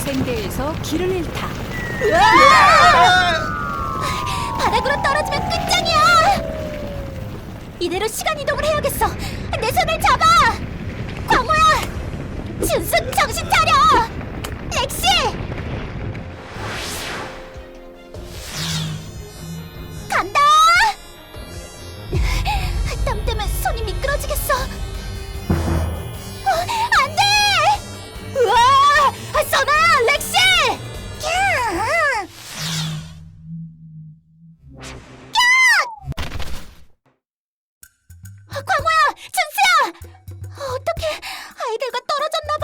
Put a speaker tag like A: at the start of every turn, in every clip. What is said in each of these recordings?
A: 중생대에서 길을 잃다.
B: 바닥으로 떨어지면 끝장이야! 이대로 시간 이동을 해야겠어! 내 손을 잡아! 광호야! 준수 정신 차려! 렉시! 간다! 땀 때문에 손이 미끄러지겠어! 안 돼! 우와! 선아! 렉시! 광호야! 준수야! 어떡해! 아이들과 떨어졌나봐!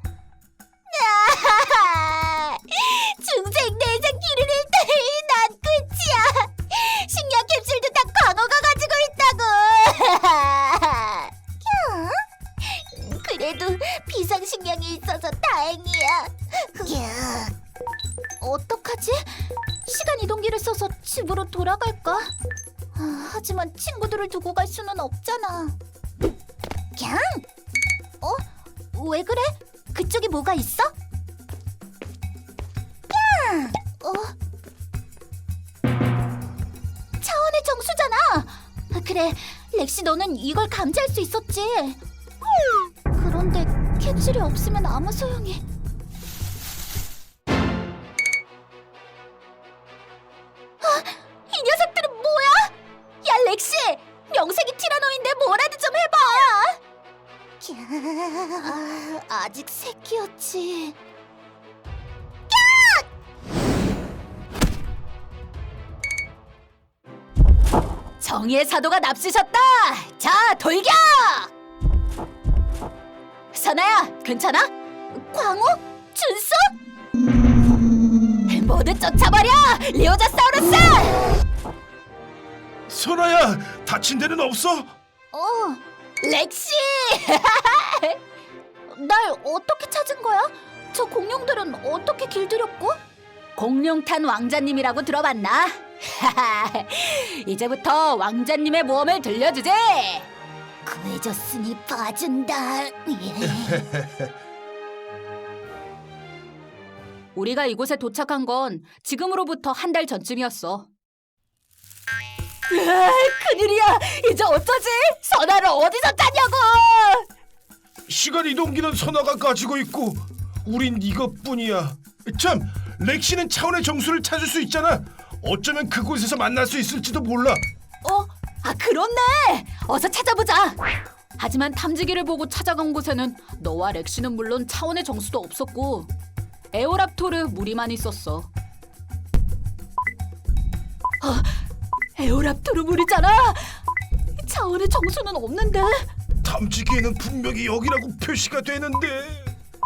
B: 중생 내장 길을 잃다니 난 끝이야! 식량 캡슐도 다 광호가 가지고 있다고! 그래도 비상식량이 있어서 다행이야. 어떡하지? 시간 이동기를 써서 집으로 돌아갈까? 하지만 친구들을 두고 갈 수는 없잖아. 왜 그래? 그쪽에 뭐가 있어? 차원의 정수잖아. 그래, 렉시 너는 이걸 감지할 수 있었지. 그런데 캡슐이 없으면 아무 소용이. 이 녀석들은 뭐야? 야, 렉시! 명색이 티라노인데 뭐라도 좀 해봐! 아직 새끼였지. 정의의 사도가 납치셨다! 자, 돌격! 선아야, 괜찮아? 광호? 준수? 모두 쫓아버려! 리오자사우루스!
C: 선아야, 다친 데는 없어?
B: 렉시! 날 어떻게 찾은 거야? 저 공룡들은 어떻게 길들였고? 공룡탄 왕자님이라고 들어봤나? 이제부터 왕자님의 모험을 들려주지! 구해줬으니 봐준다. 우리가 이곳에 도착한 건 지금으로부터 한 달 전쯤이었어. 큰일이야! 이제 어쩌지? 선아를 어디서 찾냐고!
C: 시간 이동기는 선아가 가지고 있고 우린 이것뿐이야. 참, 렉시는 차원의 정수를 찾을 수 있잖아. 어쩌면 그곳에서 만날 수 있을지도 몰라.
B: 그렇네! 어서 찾아보자! 하지만 탐지기를 보고 찾아간 곳에는 너와 렉시는 물론 차원의 정수도 없었고 에오랍토르 무리만 있었어. 에오랍토르 무리잖아! 차원의 정수는 없는데?
C: 탐지기에는 분명히 여기라고 표시가 되는데.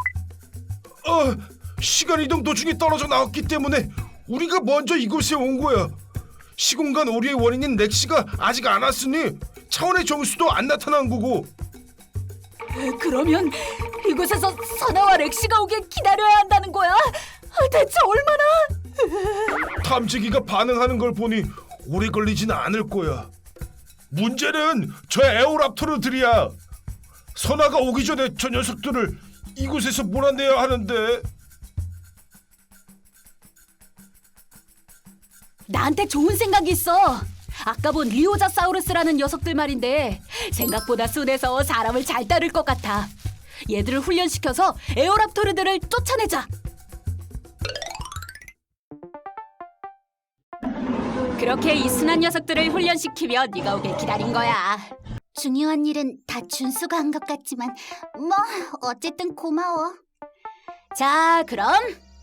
C: 시간 이동 도중에 떨어져 나왔기 때문에 우리가 먼저 이곳에 온 거야. 시공간 오류의 원인인 렉시가 아직 안 왔으니 차원의 정수도 안 나타난 거고.
B: 그러면 이곳에서 선아와 렉시가 오길 기다려야 한다는 거야? 대체 얼마나?
C: 탐지기가 반응하는 걸 보니 오래 걸리지는 않을 거야. 문제는 저 에오랍토르들이야. 선아가 오기 전에 저 녀석들을 이곳에서 몰아내야 하는데.
B: 나한테 좋은 생각이 있어. 아까 본 리오자사우루스라는 녀석들 말인데 생각보다 순해서 사람을 잘 따를 것 같아. 얘들을 훈련시켜서 에오랍토르들을 쫓아내자. 그렇게 이 순한 녀석들을 훈련시키며 네가 오길 기다린 거야. 중요한 일은 다 준수가 한 것 같지만 뭐 어쨌든 고마워. 자, 그럼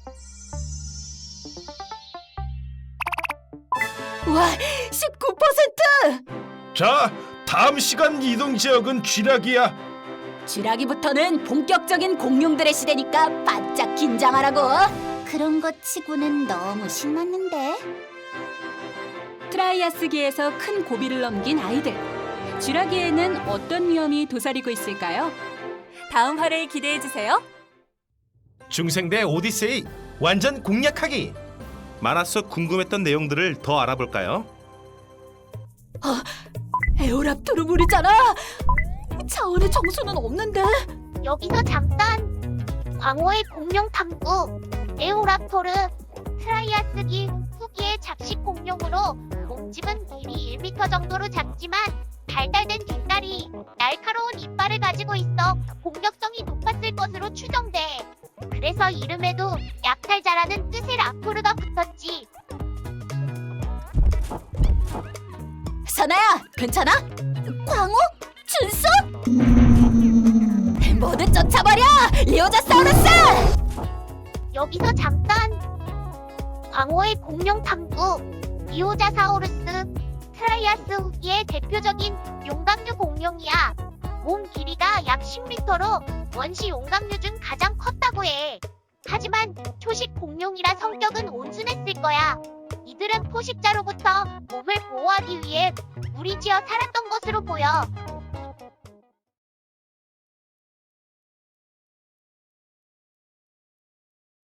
B: 우와, 19%!
C: 자, 다음 시간 이동 지역은 쥐락이야.
B: 쥐라기부터는 본격적인 공룡들의 시대니까 바짝 긴장하라고. 그런 것 치고는 너무 신났는데.
A: 트라이아스기에서 큰 고비를 넘긴 아이들. 쥐라기에는 어떤 위험이 도사리고 있을까요? 다음 화를 기대해주세요.
D: 중생대 오디세이 완전 공략하기. 만화 속 궁금했던 내용들을 더 알아볼까요?
B: 에오랍토르 물이잖아. 차원의 정수는 없는데.
E: 여기서 잠깐! 광호의 공룡 탐구 에오랍토르 트라이아스기 후기의 잡식 공룡으로 몸집은 길이 1m 정도로 작지만 발달된 뒷다리, 날카로운 이빨을 가지고 있어 공격성이 높았을 것으로 추정돼. 그래서 이름에도 약탈자라는 뜻의 랍토르가 붙었지.
B: 선아야, 괜찮아? 광호? 준수? 모두 쫓아버려! 리오자사우루스!
E: 여기서 잠깐! 광호의 공룡 탐구 리오자사우루스 트라이아스 후기의 대표적인 용광류 공룡이야. 몸 길이가 약 10m로 원시 용광류 중 가장 컸다고 해. 하지만 초식 공룡이라 성격은 온순했을 거야. 이들은 포식자로부터 몸을 보호하기 위해 무리지어 살았던 것으로 보여.